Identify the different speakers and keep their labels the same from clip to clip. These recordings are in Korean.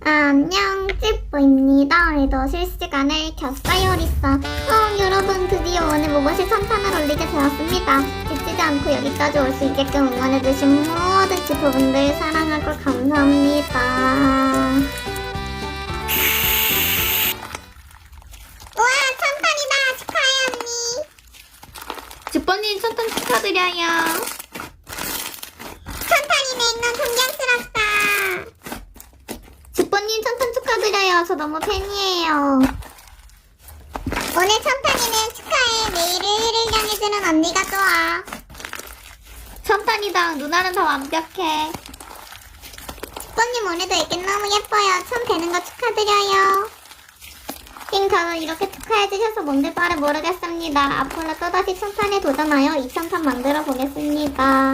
Speaker 1: 안녕, 찌뿌입니다. 오늘도 실시간을 켰어요, 리사. 여러분, 드디어 오늘 모버시 3탄을 올리게 되었습니다. 지치지 않고 여기까지 올 수 있게끔 응원해주신 모든 찌뿌분들 사랑하고 감사합니다. 우와, 3탄이다! 축하해, 언니!
Speaker 2: 찌뿌님 1000탄 축하드려요.
Speaker 1: 3탄이네, 넌 존경스럽다.
Speaker 2: 찌뿌님 1000탄 축하드려요. 저 너무 팬이에요.
Speaker 1: 오늘 3탄이네, 축하해. 매일 1위를 향해주는 언니가 좋아.
Speaker 2: 1000탄이다. 누나는 더 완벽해.
Speaker 1: 뽀님 오늘도 이게 너무 예뻐요. 처음 되는 거 축하드려요.
Speaker 2: 저는 이렇게 축하해주셔서 뭔지 빠를 모르겠습니다. 앞으로 또다시 1000탄에 도전하여 2000탄 만들어 보겠습니다.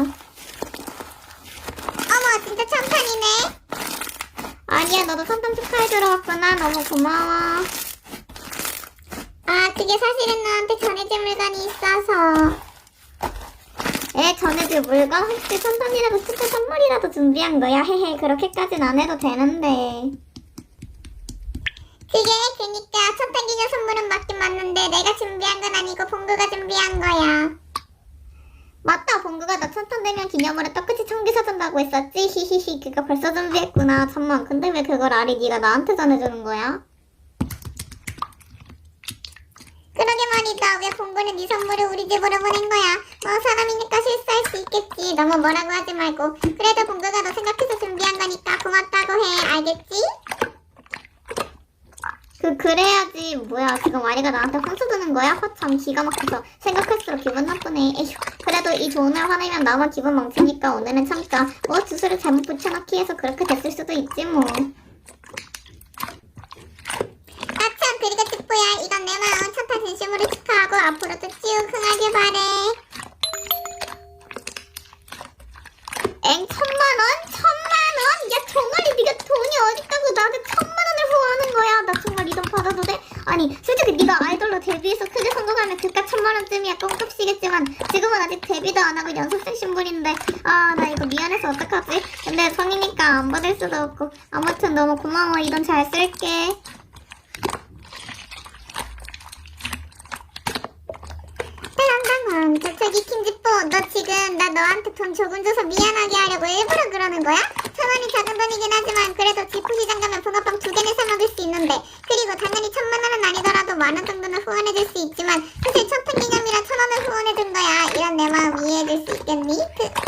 Speaker 1: 어머, 진짜 1000탄이네.
Speaker 2: 아니야, 너도 1000탄 축하해주러 왔구나. 너무 고마워.
Speaker 1: 아, 그게 사실은 너한테 전해질 물건이 있어서.
Speaker 2: 전해줄 물건? 혹시 1000탄이라도 진짜 선물이라도 준비한 거야? 헤헤, 그렇게까진 안 해도 되는데.
Speaker 1: 그게 그니까 1000탄 기념 선물은 맞긴 맞는데 내가 준비한 건 아니고 봉구가 준비한 거야.
Speaker 2: 맞다, 봉구가 나 1000탄 되면 기념으로 떡꼬치 청기 사준다고 했었지? 히히히, 그거 벌써 준비했구나. 잠만, 근데 왜 그걸 아리 네가 나한테 전해주는 거야?
Speaker 1: 그러게 말이다. 왜 봉구는 네 선물을 우리 집으로 보낸 거야? 뭐 사람이니까 실수할 수 있겠지. 너무 뭐라고 하지 말고. 그래도 봉구가 너 생각해서 준비한 거니까 고맙다고 해. 알겠지?
Speaker 2: 그래야지. 뭐야, 지금 아리가 나한테 혼수 드는 거야? 허참, 기가 막혀서 생각할수록 기분 나쁘네. 에휴, 그래도 이 좋은 날 화내면 나만 기분 망치니까 오늘은 참자. 뭐 주소를 잘못 붙여넣기 해서 그렇게 됐을 수도 있지 뭐.
Speaker 1: 아참, 그리고 찌뿌야, 이건 내 마음 1000탄 진심으로 축하하고 앞으로도 쭉 흥하길 바래.
Speaker 2: 엥, 1000만원? 1000만원? 야, 정말이 네가 돈이 어딨다고 나한테 1000만원을 후원하는 거야. 나 정말 이 돈 받아도 돼? 아니, 솔직히 네가 아이돌로 데뷔해서 크게 성공하면 그깟 1000만원쯤이야 꽁값이겠지만 지금은 아직 데뷔도 안 하고 연습생 신분인데 아, 나 이거 미안해서 어떡하지? 근데 성이니까 안 받을 수도 없고 아무튼 너무 고마워. 이 돈 잘 쓸게.
Speaker 1: 저기 킹지뽀, 너 지금 나 너한테 돈 조금 줘서 미안하게 하려고 일부러 그러는 거야? 1000원이 작은 돈이긴 하지만 그래도 지푸시장 가면 붕어빵 2개는 사 먹을 수 있는데, 그리고 당연히 1000만원은 아니더라도 만원 정도는 후원해줄 수 있지만 사실 1000탄 기념이라 1000원을 후원해준 거야. 이런 내 마음 이해해줄 수 있겠니?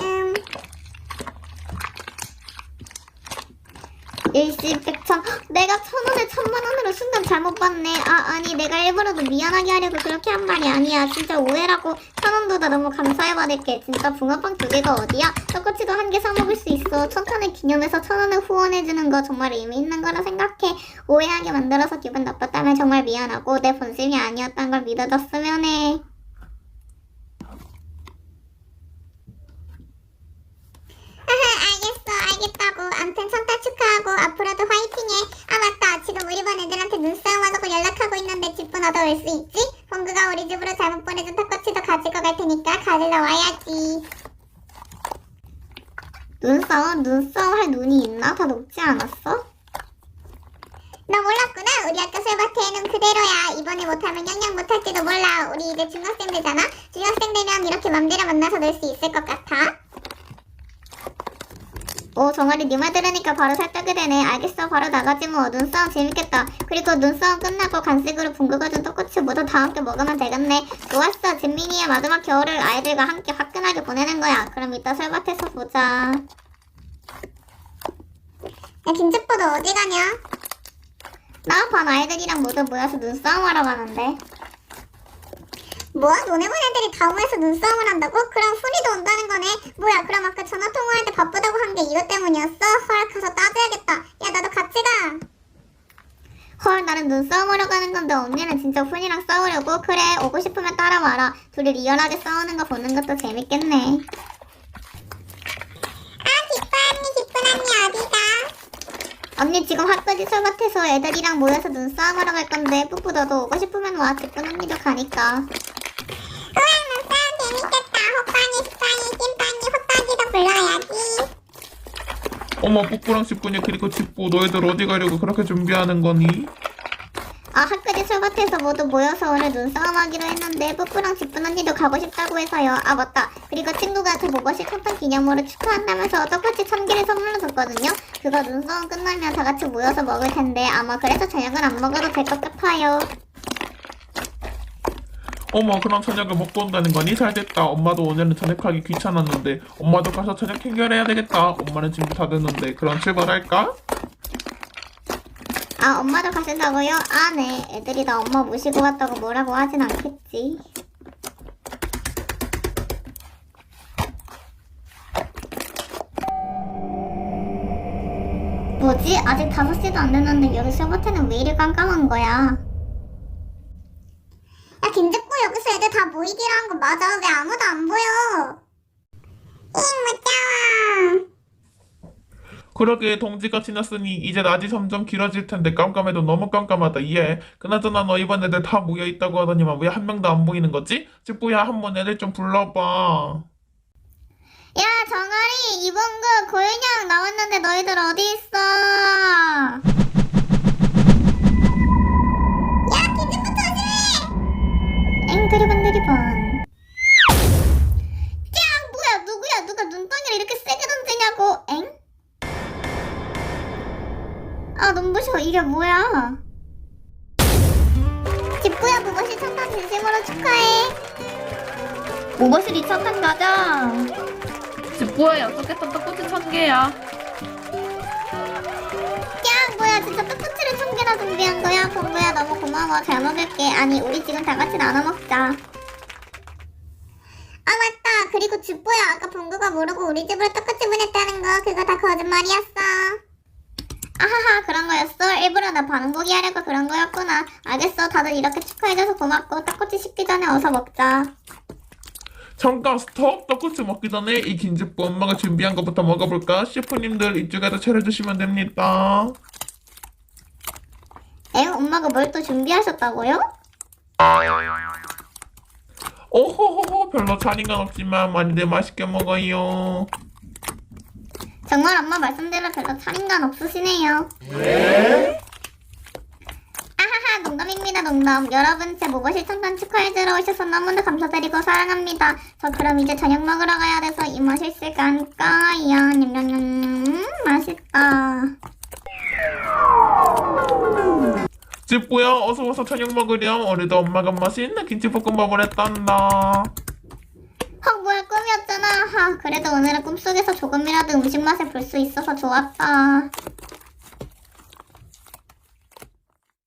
Speaker 2: 일시백천. 내가 1000원에 1000만원으로 순간 잘못 봤네. 아니 내가 일부러도 미안하게 하려고 그렇게 한 말이 아니야. 진짜 오해라고. 1000원보다 너무 감사해 받을게. 진짜 붕어빵 2개가 어디야? 떡꼬치도 1개 사 먹을 수 있어. 1000탄을 기념해서 1000원을 후원해주는 거 정말 의미 있는 거라 생각해. 오해하게 만들어서 기분 나빴다면 정말 미안하고 내 본심이 아니었단 걸 믿어줬으면 해.
Speaker 1: 알겠다고. 암튼 1000탄 축하하고 앞으로도 화이팅해. 아 맞다, 지금 우리 반 애들한테 눈싸움 하자고 연락하고 있는데 찌뿌 너도 올 수 있지? 봉구가 우리 집으로 잘못 보내준 떡꼬치도 가지고 갈 테니까 가지러 와야지.
Speaker 2: 눈싸움 할 눈이 있나? 다 녹지 않았어?
Speaker 1: 너 몰랐구나. 우리 학교 술밭에는 그대로야. 이번에 못하면 영영 못할지도 몰라. 우리 이제 중학생 되잖아. 중학생 되면 이렇게 맘대로 만나서 놀 수 있을 것 같아?
Speaker 2: 정아리 네 말 들으니까 바로 살짝이 되네. 알겠어, 바로 나가지 뭐. 눈싸움 재밌겠다. 그리고 눈싸움 끝나고 간식으로 봉구가 준 떡꼬치 모두 다 함께 먹으면 되겠네. 좋았어. 진민이의 마지막 겨울을 아이들과 함께 화끈하게 보내는 거야. 그럼 이따 설밭에서 보자.
Speaker 1: 야, 김주뽀 너 어디 가냐?
Speaker 2: 나 반 아이들이랑 모두 모여서 눈싸움 하러 가는데.
Speaker 1: 뭐? 너네 반 애들이 다 모여서 눈싸움을 한다고? 그럼 훈이도 온다는 거네? 뭐야, 그럼 아까 전화 통화할 때 바쁘다고 한 게 이것 때문이었어? 헐, 가서 따져야겠다. 야, 나도 같이 가.
Speaker 2: 헐, 나는 눈싸움 하러 가는 건데 언니는 진짜 훈이랑 싸우려고? 그래, 오고 싶으면 따라와라. 둘이 리얼하게 싸우는 거 보는 것도 재밌겠네.
Speaker 1: 아, 기쁜 언니 어디가?
Speaker 2: 언니 지금 학교지 설밭에서 애들이랑 모여서 눈싸움 하러 갈 건데 뿌뿌 너도 오고 싶으면 와. 기쁜 언니도 가니까.
Speaker 1: 우와, 눈싸움 재밌겠다. 호빵이, 찐빵이, 찐빵이, 호빵이도 불러야지.
Speaker 3: 어머, 뿌뿌랑 집분이 그리고 집부 너희들 어디 가려고 그렇게 준비하는 거니?
Speaker 2: 아, 학교지 술밭에서 모두 모여서 오늘 눈싸움 하기로 했는데 뿌뿌랑 집분 언니도 가고 싶다고 해서요. 아, 맞다. 그리고 친구가 저 모버시 탕탕 기념으로 축하한다면서 떡꼬치 1000개를 선물로 줬거든요. 그거 눈싸움 끝나면 다 같이 모여서 먹을 텐데 아마 그래서 저녁은 안 먹어도 될 것 같아요.
Speaker 3: 어머, 그럼 저녁을 먹고 온다는 거니? 잘됐다. 엄마도 오늘은 저녁하기 귀찮았는데 엄마도 가서 저녁 해결해야 되겠다. 엄마는 준비 다 됐는데 그럼 출발할까?
Speaker 2: 아, 엄마도 가신다고요? 아, 네. 애들이 나 엄마 모시고 갔다고 뭐라고 하진 않겠지. 뭐지? 아직 5시도 안 됐는데 여기 술밭에는 왜 이리 깜깜한 거야?
Speaker 1: 야, 김집부 여기서 애들 다 모이기로 한 거 맞아? 왜 아무도 안 보여? 무서워.
Speaker 3: 그러게 동지가 지났으니 이제 낮이 점점 길어질 텐데 깜깜해도 너무 깜깜하다. 이해. 그나저나 너 이번 애들 다 모여있다고 하더니만 왜 한 명도 안 보이는 거지? 집부야 한번 애들 좀 불러봐.
Speaker 2: 야, 정아리, 이봉구, 고윤영 나왔는데 너희들 어디 있어?
Speaker 1: 야, 김집부 조심해!
Speaker 2: 엥, 드리번. 야, 뭐야, 누구야? 누가 눈덩이를 이렇게 세게 던지냐고? 엥? 아, 눈부셔. 이게 뭐야? 집부야, 무버시 천탄 진심으로 축하해.
Speaker 4: 모버실 2차탄 가자. 집부에 약속했던 떡꼬치 1000개야.
Speaker 2: 야, 뭐야, 진짜 떡꼬치를 1000개나 준비한 거야? 봉구야, 너무 고마워. 잘 먹을게. 아니, 우리 지금 다 같이 나눠 먹자.
Speaker 1: 아, 맞다. 그리고 집부야, 아까 봉구가 모르고 우리 집으로 떡꼬치 보냈다는 거 그거 다 거짓말이었어.
Speaker 2: 아하하, 그런 거였어? 일부러 나 반응보기 하려고 그런 거였구나. 알겠어. 다들 이렇게 축하해줘서 고맙고 떡꼬치 식기 전에 어서 먹자.
Speaker 3: 잠깐 스톱. 떡꼬치 먹기 전에 이 김집부 엄마가 준비한 것부터 먹어볼까? 셰프님들 이쪽에다 차려주시면 됩니다.
Speaker 2: 엥? 엄마가 뭘 또 준비하셨다고요?
Speaker 3: 오호호호, 별로 차림감 없지만 많이들 맛있게 먹어요.
Speaker 2: 정말 엄마 말씀대로 별로 차림감 없으시네요. 아하하, 농담입니다, 농담. 여러분, 제 모버실 천탄 축하해주러 오셔서 너무나 감사드리고 사랑합니다. 저 그럼 이제 저녁 먹으러 가야 돼서 이모 실실 깐까요. 냠냠냠, 맛있다.
Speaker 3: 집부야 어서 와서 저녁 먹으렴. 오늘도 엄마가 맛있는 김치볶음밥을 했단다.
Speaker 2: 헉, 뭐야, 꿈이었잖아. 하, 그래도 오늘은 꿈속에서 조금이라도 음식 맛을 볼 수 있어서 좋았다.